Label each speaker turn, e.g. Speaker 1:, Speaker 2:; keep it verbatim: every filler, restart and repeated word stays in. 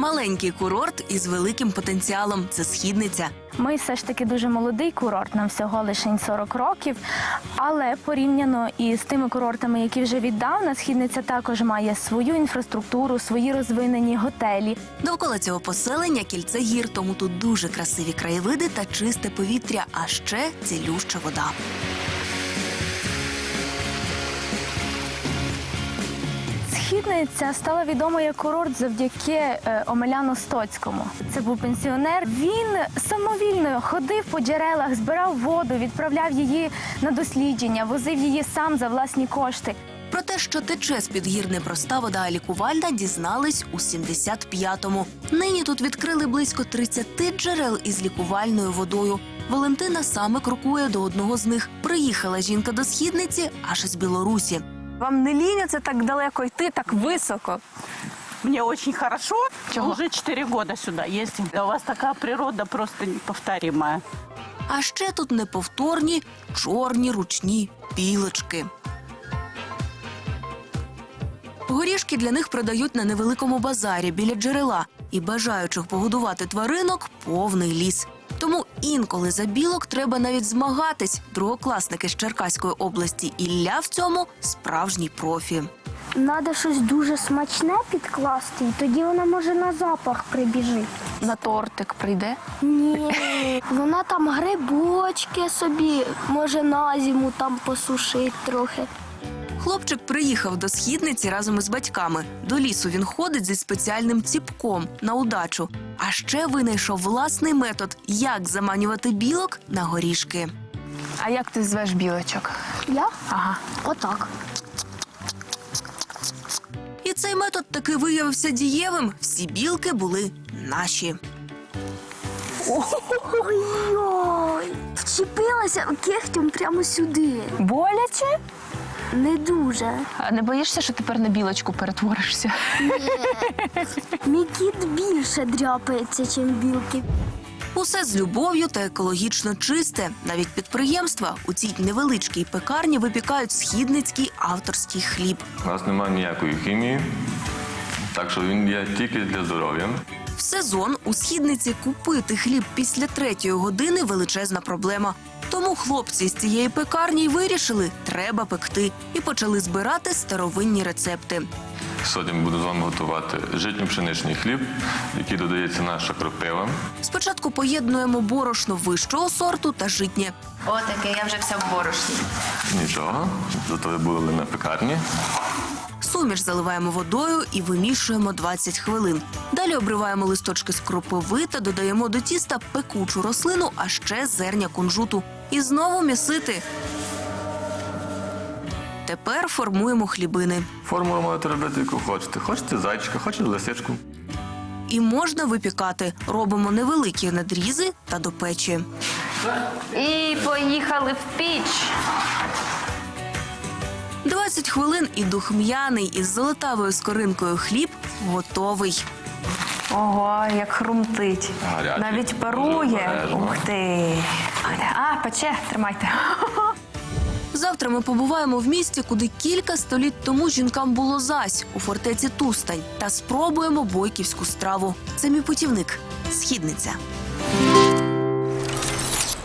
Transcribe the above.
Speaker 1: Маленький курорт із великим потенціалом – це Східниця.
Speaker 2: Ми все ж таки дуже молодий курорт, нам всього лише сорок років, але порівняно із тими курортами, які вже віддавна, Східниця також має свою інфраструктуру, свої розвинені готелі.
Speaker 1: Довкола цього поселення кільце гір, тому тут дуже красиві краєвиди та чисте повітря, а ще цілюща вода.
Speaker 2: Східниця стала відомою як курорт завдяки е, Омеляну Стоцькому. Це був пенсіонер. Він самовільно ходив по джерелах, збирав воду, відправляв її на дослідження, возив її сам за власні кошти.
Speaker 1: Про те, що тече з-під гір не проста вода, а лікувальна, дізнались у сімдесят п'ятому. Нині тут відкрили близько тридцяти джерел із лікувальною водою. Валентина саме крокує до одного з них. Приїхала жінка до Східниці аж із Білорусі.
Speaker 3: Вам не ліняться так далеко йти, так високо?
Speaker 4: Мне очень хорошо. Уже четыре года сюда ездим. У вас такая природа просто неповторимая.
Speaker 1: А ще тут неповторні чорні ручні білочки. Горішки для них продають на невеликому базарі біля джерела. І бажаючих погодувати тваринок повний ліс. Тому інколи за білок треба навіть змагатись. Другокласники з Черкаської області Ілля в цьому справжній профі.
Speaker 5: Надо щось дуже смачне підкласти, і тоді вона може на запах прибіжить.
Speaker 3: На тортик прийде?
Speaker 5: Ні, вона там грибочки собі, може на зиму там посушить трохи.
Speaker 1: Хлопчик приїхав до Східниці разом із батьками. До лісу він ходить зі спеціальним ціпком на удачу. А ще винайшов власний метод, як заманювати білок на горішки.
Speaker 3: А як ти звеш білочок?
Speaker 5: Я?
Speaker 3: Ага.
Speaker 5: Отак.
Speaker 1: І цей метод таки виявився дієвим. Всі білки були наші.
Speaker 5: Ой-ой! Вчепилася кігтем прямо сюди.
Speaker 3: Боляче?
Speaker 5: Не дуже.
Speaker 3: А не боїшся, що тепер на білочку перетворишся?
Speaker 5: Мій кіт більше дряпається, ніж білки.
Speaker 1: Усе з любов'ю та екологічно чисте. Навіть підприємства у цій невеличкій пекарні випікають східницький авторський хліб.
Speaker 6: У нас немає ніякої хімії, так що він є тільки для здоров'я.
Speaker 1: В сезон у Східниці купити хліб після третьої години – величезна проблема. Тому хлопці з цієї пекарні й вирішили – треба пекти. І почали збирати старовинні рецепти.
Speaker 6: Сьогодні буду з вами готувати житньо-пшеничний хліб, який додається наша кропива.
Speaker 1: Спочатку поєднуємо борошно вищого сорту та житнє.
Speaker 3: Отаке, я вже вся в борошні.
Speaker 6: Нічого, зато ви були на пекарні.
Speaker 1: Суміш заливаємо водою і вимішуємо двадцять хвилин. Далі обриваємо листочки з кропиви та додаємо до тіста пекучу рослину, а ще зерня кунжуту. І знову місити. Тепер формуємо хлібини.
Speaker 6: Формулу можете робити, яку хочете. Хочете зайчика, хочете лисичку.
Speaker 1: І можна випікати. Робимо невеликі надрізи та до печі.
Speaker 3: І поїхали в піч.
Speaker 1: двадцять хвилин і духм'яний із золотавою скоринкою хліб готовий.
Speaker 3: Ого, як хрумтить.
Speaker 6: Гарячий.
Speaker 3: Навіть
Speaker 6: Дуже
Speaker 3: парує.
Speaker 6: обережно.
Speaker 3: Ух ти. А, пече, тримайте.
Speaker 1: Завтра ми побуваємо в місті, куди кілька століть тому жінкам було зась, у фортеці Тустань. Та спробуємо бойківську страву. Це мій путівник – Східниця.